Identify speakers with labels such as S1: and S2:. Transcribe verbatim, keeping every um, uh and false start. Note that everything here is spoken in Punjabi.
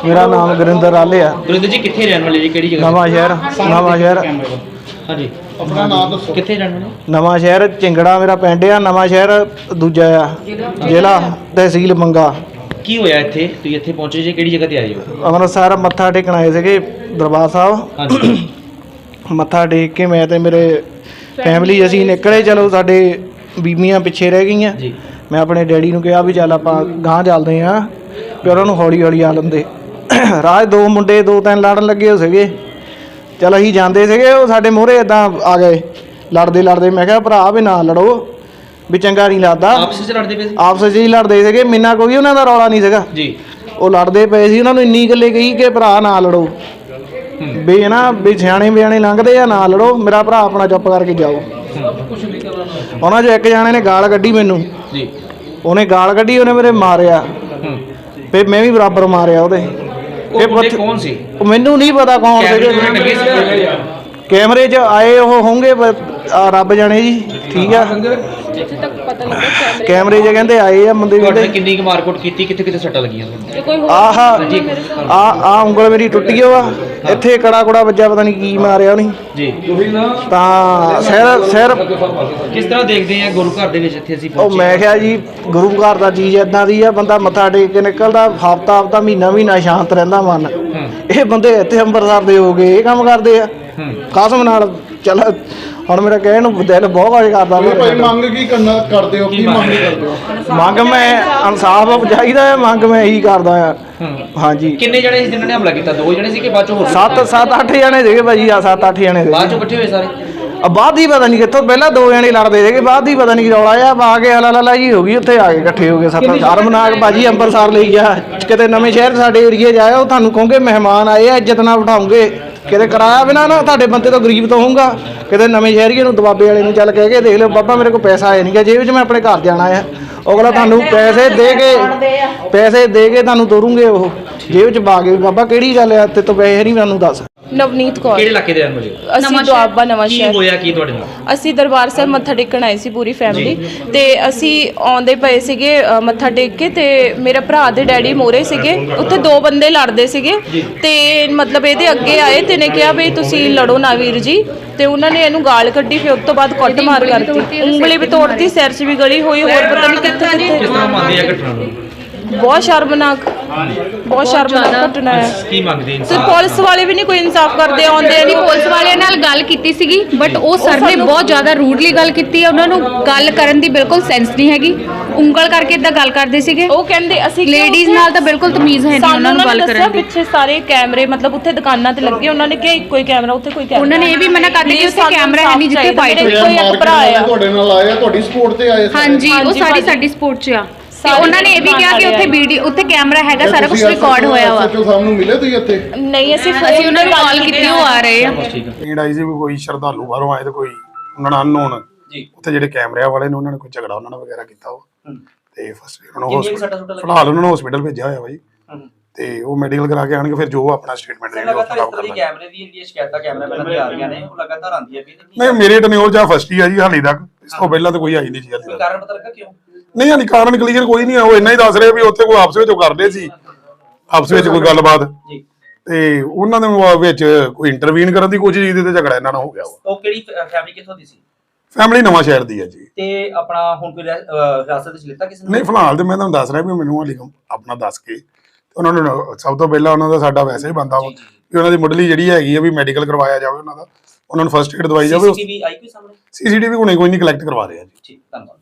S1: मेरा नाम गुरिंदर आले है।
S2: गुरिंदर जी कितने रहने वाले जी, केड़ी जगह?
S1: नवा शहर नवा शहर
S2: हाँ जी, अपना नाम दसो, कितने रहने वाले?
S1: नवा शहर चिंगड़ा मेरा पिंड आ। नवा शहर दूजा आ, जिला तहसील मंगा।
S2: की होया इत्थे तुसीं इत्थे पहुंचे जी, केड़ी जगह ते आए हो?
S1: अमृतसर मत्था टेकण आए सीगे दरबार साहब।
S2: हाँ जी,
S1: मत्था टेक के मैं ते मेरे फैमिली असीं निकले। चलो साडे बीबियां पिछे रह गईयां।
S2: जी
S1: मैं अपने डैडी नूं कहा भी चल आपां गांह चलदे आ, भी उन्हां नूं हौली हौली आ लंदे। राह दो मुंडे दो तीन लड़न लगे सीगे। चल असीं जांदे सीगे, ਉਹ ਸਾਡੇ ਮੂਹਰੇ इदां आ गए लड़दे लड़दे। मैं कहा भरा भी ना लड़ो, भी चंगा नहीं लगदा।
S2: आपस ਵਿੱਚ ਲੜਦੇ ਪਏ ਸੀ?
S1: ਆਪਸ 'ਚ ਹੀ ਲੜਦੇ ਸੀਗੇ, ਮਿੰਨਾ ਕੋਈ ਉਹਨਾਂ ਦਾ ਰੌਲਾ ਨਹੀਂ ਸੀਗਾ
S2: ਜੀ।
S1: ਉਹ ਲੜਦੇ ਪਏ ਸੀ। ਉਹਨਾਂ ਨੂੰ ਇੰਨੀ ਗੱਲੇ ਕਹੀ ਕਿ ਭਰਾ ਨਾ ਲੜੋ, ਵੀ ਨਾ ਵੀ ਸਿਆਣੇ ਬਿਆਣੇ ਲੰਘਦੇ ਆ, ਨਾ ਲੜੋ, ਮੇਰਾ ਭਰਾ ਆਪਣਾ ਚੁੱਪ ਕਰਕੇ ਜਾਓ। ਉਹਨਾਂ 'ਚੋਂ ਇੱਕ ਜਾਣੇ ਨੇ ਗਾਲ ਕੱਢੀ ਮੈਨੂੰ
S2: ਜੀ,
S1: ਉਹਨੇ ਗਾਲ ਕੱਢੀ, ਉਹਨੇ ਮੇਰੇ ਮਾਰਿਆ, ਫਿਰ ਮੈਂ ਵੀ ਬਰਾਬਰ ਮਾਰਿਆ ਉਹਦੇ।
S2: ਉਹ ਬੰਦੇ ਕੌਣ ਸੀ?
S1: ਉਹ ਮੈਨੂੰ ਨਹੀਂ ਪਤਾ ਕੌਣ ਸੀਗੇ, ਕੈਮਰੇ 'ਚ ਆਏ ਉਹ ਹੋਣਗੇ ਰੱਬ ਜਾਣੇ ਜੀ। ਠੀਕ ਆ, ਕੈਮਰੇ 'ਚ ਕਹਿੰਦੇ ਆਏ ਆ ਬੰਦੇ।
S2: ਤੁਹਾਡੇ ਕਿੰਨੀ ਕੁ ਮਾਰਕੁੱਟ ਕੀਤੀ, ਕਿੱਥੇ ਕਿੱਥੇ ਸੱਟਾਂ ਲੱਗੀਆਂ?
S1: ਆਹ ਆ ਆ ਉਂਗਲ ਮੇਰੀ ਟੁੱਟ ਗਈ ਵਾ, ਇੱਥੇ ਕੜਾ ਕੁੜਾ ਵੱਜਾ, ਪਤਾ ਨਹੀਂ ਕੀ ਮਾਰਿਆ ਉਹਨੇ
S2: ਜੀ।
S1: ਤਾਂ ਸਿਰ ਸਿਰ
S2: ਕਿਸ ਤਰ੍ਹਾਂ ਦੇਖਦੇ ਆ ਗੁਰੂ ਘਰ ਦੇ ਵਿੱਚ ਇੱਥੇ ਅਸੀਂ
S1: ਉਹ
S2: ਪਹੁੰਚੇ?
S1: ਮੈਂ ਕਿਹਾ ਜੀ ਗੁਰੂ ਘਰ ਦਾ ਚੀਜ਼ ਇਦਾਂ ਦੀ ਆ, ਬੰਦਾ ਮੱਥਾ ਟੇਕ ਕੇ ਨਿਕਲਦਾ ਹਫ਼ਤਾ ਹਫ਼ਤਾ ਮਹੀਨਾ ਮਹੀਨਾ ਸ਼ਾਂਤ ਰਹਿੰਦਾ ਮਨ। ਇਹ ਬੰਦੇ ਇੱਥੇ ਅੰਮ੍ਰਿਤਸਰ ਦੇ ਹੋ ਗਏ, ਇਹ ਕੰਮ ਕਰਦੇ ਆ ਕਸਮ ਨਾਲ। ਚੱਲ ਹੁਣ ਮੇਰਾ ਕਹਿਣ ਨੂੰ ਦਿਲ ਬਹੁਤ ਕੁਝ ਕਰਦਾ।
S3: ਮੰਗ ਕੀ ਕਰਨਾ ਕਰਦੇ ਹੋ, ਕੀ ਮੰਗ ਕਰਦੇ ਹੋ?
S1: ਮੰਗ ਮੈਂ ਇਨਸਾਫ ਚਾਹੀਦਾ ਹੈ, ਮੰਗ ਮੈਂ ਇਹੀ ਕਰਦਾ ਆ। ਹਾਂਜੀ।
S2: ਕਿੰਨੇ ਜਣੇ ਸੀ ਜਿਨ੍ਹਾਂ ਨੇ ਹਮਲਾ ਕੀਤਾ? ਦੋ ਜਣੇ ਸੀ ਕਿ ਬਾਅਦ ਚੋਂ ਹੋਰ?
S1: ਸੱਤ ਸੱਤ ਅੱਠ ਜਣੇ ਸੀਗੇ ਭਾਜੀ, ਆ ਸੱਤ ਅੱਠ ਜਣੇ
S2: ਬਾਅਦ
S1: ਸੀਗੇ।
S2: ਚੋਂ ਇਕੱਠੇ ਹੋਏ ਸਾਰੇ?
S1: ਆ ਬਾਅਦ ਹੀ ਪਤਾ ਨਹੀਂ ਕਿੱਥੋਂ, ਪਹਿਲਾਂ ਦੋ ਜਣੇ ਲੜਦੇ ਸੀਗੇ, ਬਾਅਦ ਹੀ ਪਤਾ ਨਹੀਂ ਕੀ ਰੌਲਾ ਆ, ਆ ਕੇ ਹਲਾ ਲਾ ਜੀ ਹੋ ਗਈ, ਉੱਥੇ ਆ ਕੇ ਇਕੱਠੇ ਹੋ ਗਏ ਸੱਤ ਸ਼ਰਮਨਾਕ। ਭਾਜੀ ਅੰਮ੍ਰਿਤਸਰ ਲਈ ਗਿਆ, ਕਿਤੇ ਨਵੇਂ ਸ਼ਹਿਰ ਸਾਡੇ ਏਰੀਏ 'ਚ ਆਇਆ, ਉਹ ਤੁਹਾਨੂੰ ਕਹੋਗੇ ਮਹਿਮਾਨ ਆਏ ਆ, ਇੱਜ਼ਤ ਨਾਲ ਬਿਠਾਉਂਗੇ। ਕਿਤੇ ਕਿਰਾਇਆ ਬਿਨਾਂ ਨਾ ਤੁਹਾਡੇ ਬੰਦੇ ਤੋਂ ਗਰੀਬ ਤੋਂ ਹੋਊਗਾ। ਕਿਤੇ ਨਵੇਂ ਸ਼ਹਿਰੀਏ ਨੂੰ ਦਬਾਬੇ ਵਾਲੇ ਨੂੰ ਚੱਲ ਕਹਿ ਕੇ ਦੇਖ ਲਿਓ, ਬਾਬਾ ਮੇਰੇ ਕੋਲ ਪੈਸਾ ਆਇਆ ਨਹੀਂ ਗਾ ਜੇਬ 'ਚ, ਮੈਂ ਆਪਣੇ ਘਰ ਜਾਣਾ ਆ। ਅਗਲਾ ਤੁਹਾਨੂੰ ਪੈਸੇ ਦੇ ਕੇ ਪੈਸੇ ਦੇ ਕੇ ਤੁਹਾਨੂੰ ਤੋਰੂਗੇ, ਉਹ ਜੇਬ 'ਚ ਪਾ ਕੇ। ਬਾਬਾ ਕਿਹੜੀ ਗੱਲ ਆ, ਤੇ ਤੋਂ ਪੈਸੇ ਨਹੀਂ ਮੈਨੂੰ ਦੱਸ।
S4: ਨਵਨੀਤ ਕੌਰ।
S2: ਕਿਹੜੇ ਇਲਾਕੇ ਦੇ ਰਹਿਣ ਵਾਲੇ?
S4: ਅਸੀਂ ਦੁਆਬਾ ਨਵਾਂ
S2: ਕੀ
S4: ਸ਼ਹਿਰ।
S2: ਹੋਇਆ ਕੀ ਤੁਹਾਡੇ ਨਾਲ?
S4: ਅਸੀਂ ਦਰਬਾਰ ਸਾਹਿਬ ਮੱਥਾ ਟੇਕਣ ਆਏ ਸੀ ਪੂਰੀ ਫੈਮਿਲੀ, ਤੇ ਅਸੀਂ ਆਉਂਦੇ ਪਏ ਸੀਗੇ ਅ, ਮੱਥਾ ਟੇਕ ਕੇ, ਤੇ ਮੇਰੇ ਭਰਾ ਦੇ ਡੈਡੀ ਮੋਰੇ ਸੀਗੇ, ਉੱਥੇ ਦੋ ਬੰਦੇ ਲੜਦੇ ਸੀਗੇ, ਤੇ ਮਤਲਬ ਇਹਦੇ ਅੱਗੇ ਆਏ ਤੇ ਨੇ ਕਿਹਾ ਵੀ ਤੁਸੀਂ ਲੜੋ ਨਾ ਵੀਰ ਜੀ, ਤੇ ਉਹਨਾਂ ਨੇ ਇਹਨੂੰ ਗਾਲ ਕੱਢੀ। ਫਿਰ ਉਸ ਤੋਂ ਬਾਅਦ ਕੁੱਟ ਮਾਰ ਕਰਤੀ, ਉਂਗਲੀ ਵੀ ਤੋੜਤੀ, ਸਿਰ 'ਚ ਵੀ ਗਲੀ ਹੋਈ, ਹੋਰ ਪਤਾ ਨਹੀਂ ਕਿੱਥੇ
S2: ਕਿਸ
S4: ਕਿੱਥੇ।
S2: ਤਰ੍ਹਾਂ ਮੰਨਦੇ ਆ ਘਟਨਾ ਨੂੰ?
S4: ਬਹੁਤ ਸ਼ਰਮਨਾਕ, ਬਹੁਤ ਸ਼ਰਮਨਾਕ ਘਟਨਾ ਹੈ।
S2: ਕੀ ਮੰਗਦੇ
S4: ਤੇ
S2: ਇਨਸਾਨ?
S4: ਪੁਲਿਸ ਵਾਲੇ ਵੀ ਨਹੀਂ ਕੋਈ ਇਨਸਾਫ ਕਰਦੇ, ਆਉਂਦੇ ਨਹੀਂ।
S5: ਪੁਲਿਸ ਵਾਲਿਆਂ ਨਾਲ ਗੱਲ ਕੀਤੀ ਸੀਗੀ, ਬਟ ਉਹ ਸਰ ਨੇ ਬਹੁਤ ਜ਼ਿਆਦਾ ਰੂਡਲੀ ਗੱਲ ਕੀਤੀ ਹੈ। ਉਹਨਾਂ ਨੂੰ ਗੱਲ ਕਰਨ ਦੀ ਬਿਲਕੁਲ ਸੈਂਸ ਨਹੀਂ ਹੈਗੀ, ਉਂਗਲ ਕਰਕੇ ਇਦਾਂ ਗੱਲ ਕਰਦੇ ਸੀਗੇ।
S4: ਉਹ ਕਹਿੰਦੇ ਅਸੀਂ
S5: ਲੇਡੀਜ਼ ਨਾਲ ਤਾਂ ਬਿਲਕੁਲ ਤਮੀਜ਼ ਹੈ ਨਹੀਂ ਉਹਨਾਂ ਨੂੰ ਗੱਲ ਕਰਨ ਦੀ।
S4: ਪਿੱਛੇ ਸਾਰੇ ਕੈਮਰੇ ਮਤਲਬ ਉੱਥੇ ਦੁਕਾਨਾਂ ਤੇ ਲੱਗੇ, ਉਹਨਾਂ ਨੇ ਕਿਹਾ ਇੱਕੋ ਹੀ ਕੈਮਰਾ, ਉੱਥੇ ਕੋਈ ਕੈਮਰਾ।
S5: ਉਹਨਾਂ ਨੇ ਇਹ ਵੀ ਮਨਾ ਕਰ ਦਿੱਤਾ ਕਿ ਉੱਥੇ ਕੈਮਰਾ ਹੈ ਨਹੀਂ ਜਿੱਥੇ ਫਾਈਟ ਹੋਈ।
S4: ਕੋਈ ਇੱਕ ਭਰਾ ਆ
S3: ਤੁਹਾਡੇ ਨਾਲ ਆਏ ਆ, ਤੁਹਾਡੀ ਸਪੋਰਟ ਤੇ ਆਏ?
S5: ਹਾਂਜੀ, ਉਹ ਸਾਰੀ ਸਾਡੀ ਸਪੋਰਟ 'ਚ ਆ। ਤੇ ਉਹਨਾਂ ਨੇ ਇਹ ਵੀ ਕਿਹਾ ਕਿ ਉੱਥੇ ਵੀਡੀਓ, ਉੱਥੇ ਕੈਮਰਾ ਹੈਗਾ, ਸਾਰਾ ਕੁਝ ਰਿਕਾਰਡ ਹੋਇਆ ਵਾ।
S3: ਸੱਚੋ ਸਾਹਿਬ ਨੂੰ ਮਿਲੇ ਤੁਸੀਂ ਇੱਥੇ?
S4: ਨਹੀਂ, ਅਸੀਂ
S5: ਅਸੀਂ ਉਹਨਾਂ ਨੂੰ ਕਾਲ ਕੀਤੀ, ਉਹ ਆ ਰਹੇ ਆ।
S6: ਨੀਡ ਆਈ ਸੀ ਵੀ ਕੋਈ ਸ਼ਰਧਾਲੂ ਬਾਹਰੋਂ ਆਏ ਤੇ ਕੋਈ ਉਹਨਾਂ ਨਾਲ ਅਨਨੋਨ
S2: ਜੀ,
S6: ਉੱਥੇ ਜਿਹੜੇ ਕੈਮਰਿਆਂ ਵਾਲੇ ਨੇ ਉਹਨਾਂ ਨੇ ਕੋਈ ਝਗੜਾ ਉਹਨਾਂ ਨਾਲ ਵਗੈਰਾ ਕੀਤਾ ਉਹ, ਤੇ ਫਸਟ ਉਹਨਾਂ ਨੂੰ
S2: ਕਿੰਨੀਆਂ ਕੁ ਸੱਟਾਂ ਸੁੱਟਾਂ ਲੱਗੀਆਂ?
S6: ਫਿਲਹਾਲ ਉਹਨਾਂ ਨੂੰ ਹਸਪੀਟਲ ਭੇਜਿਆ ਹੋਇਆ ਬਾਈ, ਤੇ ਉਹ ਮੈਡੀਕਲ ਕਰਾ ਕੇ ਆਣਗੇ, ਫਿਰ ਜੋ ਆਪਣਾ ਸਟੇਟਮੈਂਟ ਦੇਣਗੇ ਉਹ ਖਰਾਬ ਕਰ ਲਾਂਗੇ।
S2: ਕੈਮਰੇ ਦੀ ਜਿਹੜੀਆਂ ਸ਼ਿਕਾਇਤਾਂ ਕੈਮਰਾਮੈਨਾਂ ਦੀਆਂ ਆ ਰਹੀਆਂ ਨੇ, ਉਹ ਲਗਾਤਾਰ ਆਉਂਦੀਆਂ ਵੀ
S6: ਨਹੀਂ, ਮੇਰੇ ਟਨਿਓਰ ਜਾਂ ਫਸਟ ਹੀ ਆ ਜੀ ਹਾਲੇ ਤੱਕ, ਇਸ ਤੋਂ ਪਹਿਲਾਂ ਤਾਂ ਕੋਈ ਆਈ ਨਹੀਂ ਜੀ ਹਾਲੇ ਤੱਕ।
S2: ਕਾਰਨ ਪਤਾ ਲੱਗਾ ਕਿਉਂ?
S6: ਨਹੀਂ ਹਾਲੇ ਕਾਰਨ ਕਲੀਅਰ ਕੋਈ ਨਹੀਂ ਆ, ਉਹ ਇੰਨਾ ਹੀ ਦੱਸ ਰਹੇ ਵੀ ਉੱਥੇ ਕੋਈ ਆਪਸ ਵਿੱਚ ਉਹ ਕਰਦੇ ਸੀ, ਆਪਸ ਵਿੱਚ ਕੋਈ ਗੱਲਬਾਤ,
S2: ਜੀ,
S6: ਤੇ ਉਹਨਾਂ ਦੇ ਵਿੱਚ ਕੋਈ ਇੰਟਰਵੀਨ ਕਰਨ ਦੀ ਕੋਸ਼ਿਸ਼ ਕੀਤੀ ਤੇ ਝਗੜਾ ਇਹਨਾਂ ਨਾਲ ਹੋ ਗਿਆ ਵਾ।
S2: ਉਹ ਕਿਹੜੀ ਫੈਮਿਲੀ ਕਿੱਥੋਂ ਦੀ ਸੀ?
S6: ਫੈਮਿਲੀ ਨਵਾਂ ਸ਼ਹਿਰ ਦੀ ਹੈ ਜੀ।
S2: ਤੇ ਆਪਣਾ ਹੁਣ ਕੋਈ ਹਿਰਾਸਤ ਵਿੱਚ ਲਿੱਤਾ ਕਿਸੇ ਨੇ?
S6: ਨਹੀਂ, ਫਿਲਹਾਲ ਤੇ ਮੈਂ ਤੁਹਾਨੂੰ ਦੱਸ ਰਿਹਾ ਵੀ ਮੈਨੂੰ ਹਾਲੇ ਆਪਣਾ ਦੱਸ ਕੇ ਉਹਨਾਂ ਨੂੰ ਸਭ ਤੋਂ ਪਹਿਲਾਂ ਉਹਨਾਂ ਦਾ ਸਾਡਾ ਵੈਸੇ ਹੀ ਬੰਦਾ ਵਾ ਵੀ ਉਹਨਾਂ ਦੀ ਮੁੱਢਲੀ ਜਿਹੜੀ ਹੈਗੀ ਆ ਵੀ ਮੈਡੀਕਲ ਕਰਵਾਇਆ ਜਾਵੇ ਉਹਨਾਂ ਦਾ, ਉਹਨਾਂ ਨੂੰ ਫਸਟ ਏਡ ਦਵਾਈ ਜਾਵੇ।
S2: ਸੀਸੀਟੀਵੀ ਆਈ ਕੋਈ ਸਾਹਮਣੇ?
S6: ਸੀਸੀਟੀਵੀ ਹੁਣੇ ਕੋਈ ਨਹੀਂ ਕਲੈਕਟ ਕਰਵਾ ਰਹੇ ਆ ਜੀ।
S2: ਠੀਕ, ਧੰਨਵਾਦ।